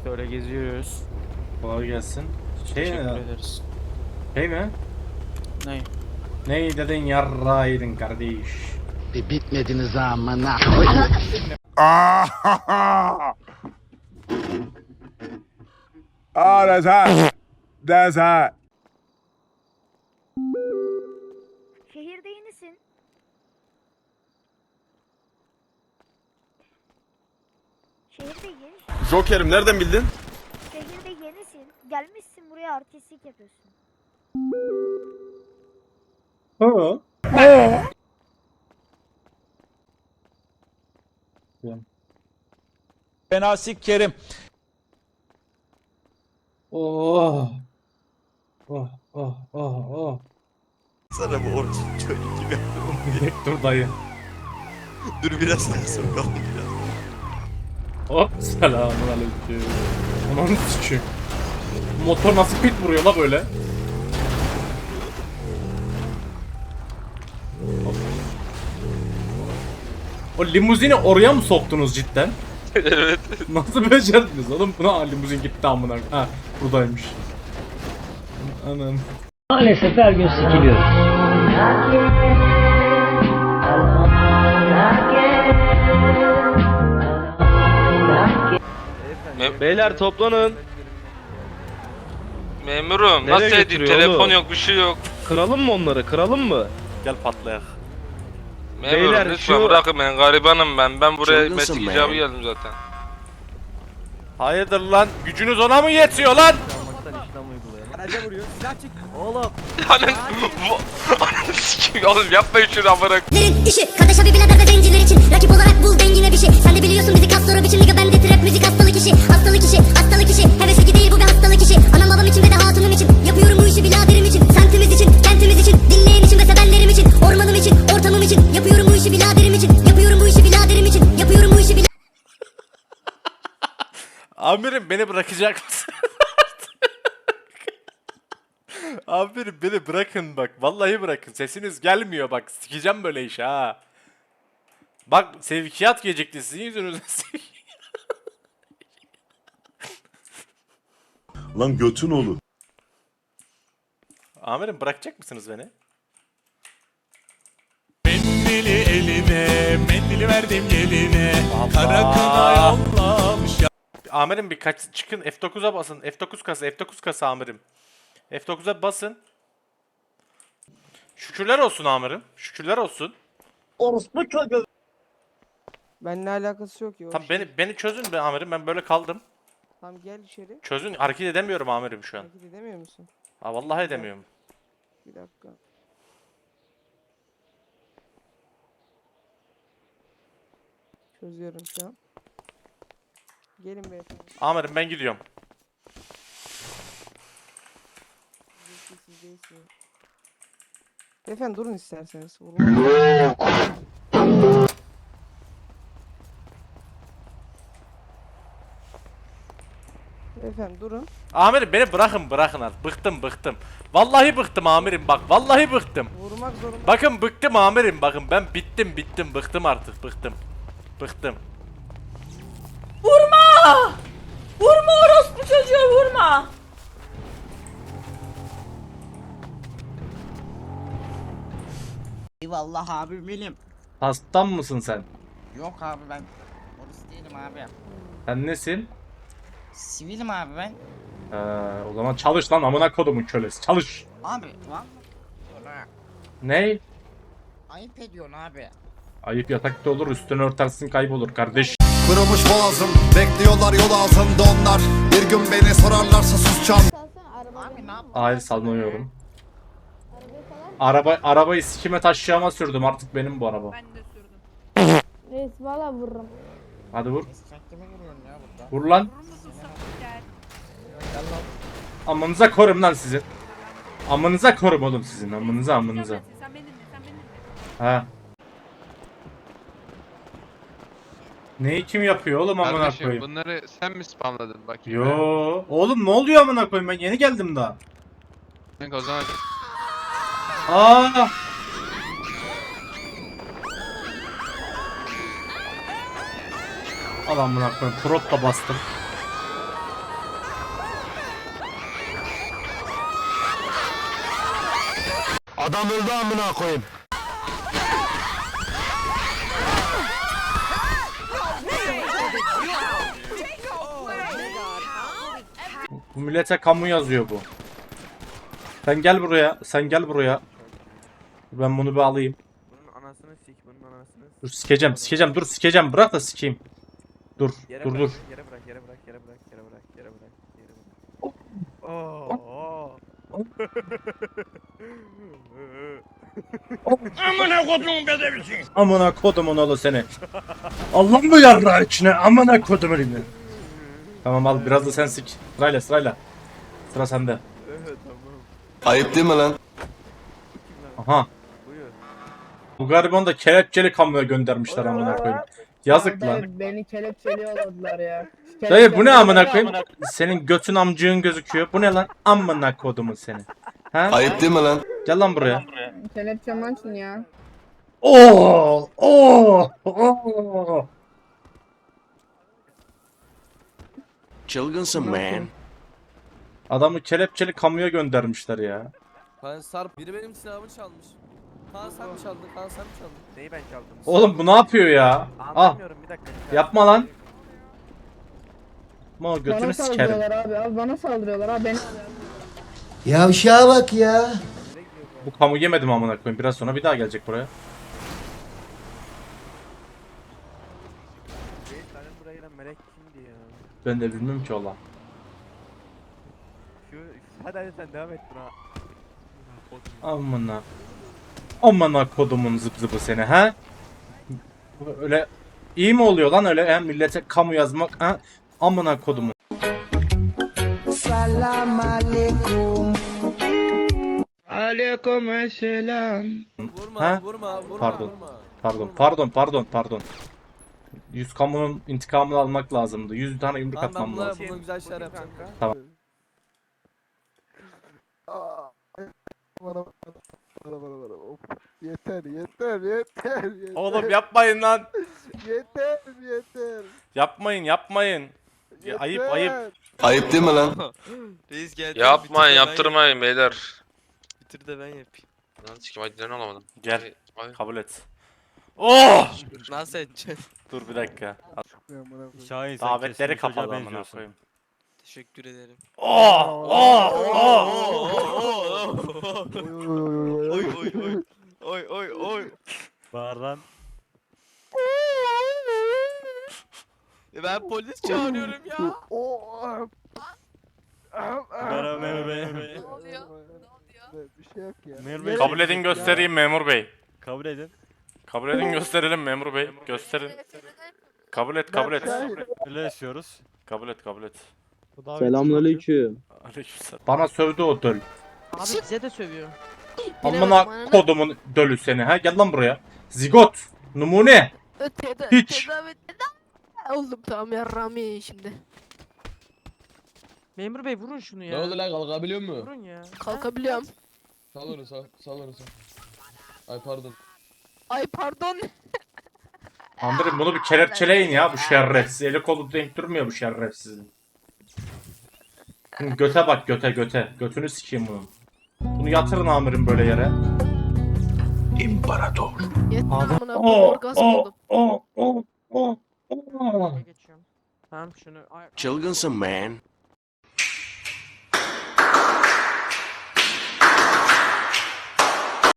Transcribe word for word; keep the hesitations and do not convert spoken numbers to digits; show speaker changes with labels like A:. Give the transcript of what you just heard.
A: işte öyle geziyoruz.
B: Kolay gelsin. Şey
A: Teşekkür
B: mi?
A: ederiz.
B: Şey mi?
A: Ne?
B: Ney dedin yarraydın kardeş.
C: Bir bitmediniz amına.
D: Ah, that's hot. That's hot.
E: Şehirde yenisin. Şehirde yeni.
D: Joker'im nereden bildin?
E: Şehirde yenisin. Gelmişsin buraya artistlik yapıyorsun.
B: Ha.
F: Fena sikerim.
B: Oh. Oh oh oh oh.
G: Sana bu orası çocuk gibi yapıyorum.
B: Bir dur dayı.
G: Dur biraz daha sokalım biraz.
B: Hop selamun aleyküm. Ananı sikeyim. Motor nasıl pit vuruyor la böyle? Hop. O limuzini oraya mı soktunuz cidden?
G: Evet.
B: Nasıl becerdiniz oğlum? Buna limuzin gitti amına. Ha buradaymış. Anam.
H: Maalesef her gün sikiliyoruz.
I: Beyler toplanın.
G: Memurum
I: Nereye
G: nasıl edeyim?
I: götürüyor
G: Telefon
I: oğlum?
G: yok, bir şey yok.
I: Kıralım mı onları? Kıralım mı?
G: Gel patlayak. Memurum
I: Beyler,
G: lütfen
I: şu-
G: bırakın beni, garibanım ben. Ben buraya
C: Çılgınsın
G: meslek
C: be.
G: icabı geldim zaten.
B: Hayırdır lan? Gücünüz ona mı yetiyor lan?
G: Anın... Anın sikeyim oğlum, yapmayın şunu amına.
J: Lerin işi, kardeş abi birader ve zenciler için. Rakip olarak bul dengine bir şey. Sen de biliyorsun bizi kas sonra biçim liga, bende trap müzik hastalık işi. Hastalık işi, hastalık işi. Hevesi değil bu bir hastalık işi. Anam babam için ve de hatunum için. Yapıyorum bu işi biraderim için. Semtimiz için, kentimiz için. Dinleyen için ve sevenlerim için. Ormanım için, ortamım için. Yapıyorum bu işi biraderim için. Yapıyorum bu işi biraderim için. Yapıyorum bu işi biraderim.
B: Amirim beni bırakacak mısın? Amirim beni bırakın bak. Vallahi bırakın. Sesiniz gelmiyor bak. Sikeceğim böyle işi ha. Bak sevkiyat gecikti sizin yüzünüzden.
D: Lan götün olur.
B: Amirim bırakacak mısınız beni?
F: Mendili eline, mendili verdim geline.
B: Allah.
F: Kara kına yollamış.
B: Amirim bir kaç çıkın F dokuza basın. F dokuz kasa, F dokuz kasa amirim. F dokuza basın. Şükürler olsun amirim. Şükürler olsun.
H: Orospu çocuğu.
K: Benimle alakası yok ya. o
B: Tam
K: şey.
B: beni beni çözün be amirim. Ben böyle kaldım.
K: Tamam gel içeri.
B: Çözün. Hareket edemiyorum amirim şu an.
K: Hareket edemiyor musun?
B: Ha vallahi edemiyorum.
K: Bir dakika. Çözüyorum şu an. Gelin beyefendi.
B: Amirim ben gidiyorum.
K: Siz siz değilsiniz. Beyefendi durun isterseniz. Vurma. Beyefendi durun.
B: Amirim beni bırakın bırakın artık. Bıktım bıktım. Vallahi bıktım amirim bak. Vallahi bıktım.
K: Vurmak zorunda.
B: Bakın bıktım amirim bakın. Ben bittim bittim bıktım artık bıktım. Bıktım.
L: Vurma! Vurma orospu çocuğu vurma!
C: Eyvallah abi benim.
B: Hastam mısın sen?
C: Yok abi ben polis değilim abi.
B: Sen nesin?
C: Sivilim abi ben.
B: Ee, o zaman çalış lan amına kodumun kölesi. Çalış.
C: Abi vallahi
B: Ney?
C: ayıp ediyorsun abi.
B: Ayıp yatakta olur üstünü örtersin kaybolur kardeş.
D: Kırılmış boğazım, bekliyorlar yol altında onlar. Bir gün beni sorarlarsa susacağım.
C: Abi ne yap?
B: Hayır salmıyorum. Araba arabayı sikime taşıyama sürdüm artık benim bu araba.
L: Ben de sürdüm.
E: Reis valla vururum.
B: Hadi vur.
C: Sen kime vuruyorsun ya burada?
B: Vur lan.
L: Vurur musun sapık?
B: Amanıza korum lan sizin. Amanıza korum oğlum sizin. Amanıza amanıza.
L: Sen beni dinle, sen beni dinle.
B: Ha. Neyi kim yapıyor oğlum amına
I: Kardeşim
B: koyayım?
I: bunları sen mi spamladın bakayım?
B: Yo. Oğlum ne oluyor amına koyayım ben yeni geldim daha.
I: Kanka o zaman
B: Aa! Al amına koyayım. Prot da bastım.
D: Adam öldü amına koyayım.
B: Bu millete kamu yazıyor bu. Sen gel buraya. Sen gel buraya. Ben bunu bir alayım.
A: Bunun anasını sik, bunun anasını sik.
B: Dur sikeceğim, sikeceğim. Dur sikeceğim. Bırak da sikeyim. Dur,
A: Yere
B: dur,
A: bırak,
B: dur.
A: Yere bırak, yere bırak, yere bırak, yere bırak, yere bırak, yere bırak. Oo.
B: Amına kodumun oğlu seni. Allah mı yarra içine? Amına kodumun ibni. Tamam al biraz da sen sik. Sırayla sırayla. Sıra sende.
D: Ayıp değil mi lan?
B: Aha.
A: Buyur.
B: Bu garibanı da kelepçeli kamuya göndermişler amına koyayım. Yazık lan.
K: Beni kelepçeliyorlar ya.
B: Dayı bu ne amına koyayım? Senin götün amcığın gözüküyor. Bu ne lan? Amına kodumun seni. Ha?
D: Ayıp değil mi lan?
B: Gel lan buraya.
K: Kelepçem açın ya.
B: Oo! Oo! Oo!
D: Çılgınsın man.
B: Adamı kelepçeli kamuya göndermişler ya.
I: Kaan Sarp biri benim silahımı çalmış. Kaan sen mi çaldın? Kaan sen mi çaldın?
A: Neyi ben çaldım?
B: Oğlum bu ne yapıyor ya? Ah
A: Anlamıyorum, bir dakika.
B: yapma lan. Ma götünü sikerim.
K: abi. Abi bana saldırıyorlar abi. Beni...
H: Yavşağa bak ya.
B: Bu kamu yemedim amına koyayım. Biraz sonra bir daha gelecek buraya.
A: Senin buraya gelen melek kimdi ya?
B: Ben de bilmiyorum ki ola.
A: Şu, hadi hadi sen devam et buna.
B: Amına. Amına kodumun zıp zıpı seni ha? Öyle iyi mi oluyor lan öyle he? Millete kamu yazmak ha? Amına kodumun.
H: Selam aleyküm.
I: Vurma,
B: Ha?
I: vurma, vurma,
B: Pardon.
I: vurma.
B: Pardon, pardon, pardon, pardon. Yüz kamunun intikamını almak lazımdı. Yüz tane yumruk
I: Tamam ben
B: atmam
I: buna,
B: lazım.
I: buna güzel şeyler yapacağım.
B: Tamam.
C: Yeter yeter yeter yeter.
B: Oğlum yapmayın lan.
C: Yeter yeter.
B: Yapmayın, yapmayın. Ya, ayıp, ayıp.
D: Ayıp değil mi lan?
I: Reis geldi.
G: Yapmayın, yaptırmayın beyler.
I: Bitir de ben yapayım.
G: Lan sikim hadi olamadım.
B: Gel,
G: Hadi.
B: kabul et. Oh!
I: Nasıl edeceksin?
B: Dur bir dakika.
A: Şahin
B: Davetleri kapalı amına koyayım.
I: Teşekkür ederim.
B: Oh! Oh! Oh!
I: Oy oy oy. Oy oy oy.
A: Bağır lan.
I: E ben polis çağırıyorum ya.
A: Merhaba memur bey.
C: Bir şey yok ya.
A: Memur bey.
B: Kabul edin göstereyim memur bey.
A: Kabul edin.
B: Kabul edin gösterelim memur bey. Gösterin. Kabul et, kabul et.
A: Öyle yaşıyoruz.
B: Kabul et, kabul et.
I: Selamünaleyküm.
B: Aleykümselam. Bana sövdü o döl.
K: Abi bize de sövüyor.
B: Amına kodumun dölü seni ha. Gel lan buraya. Zigot. Numune. Hiç.
E: Oldum tamam yarrami şimdi.
K: Memur bey vurun şunu ya.
I: Ne oldu lan kalkabiliyor mu?
K: Vurun ya.
E: Kalkabiliyorum.
I: Sal onu sal, sal onu sal. Ay pardon.
E: Ay pardon.
B: Amirim bunu bir kelepçeleyin ya bu şerefsiz. Eli kolu denk durmuyor bu şerefsizin. Hı, göte bak göte göte. Götünü sikeyim bunun. Bunu yatırın amirim böyle yere.
D: İmparator.
E: Yeter amına
B: Oh,
E: orgazm
B: oh,
E: oldum.
B: oh, oh, oh, oh.
K: Geçiyorum. Tamam şunu. Ay,
D: Çılgınsın man.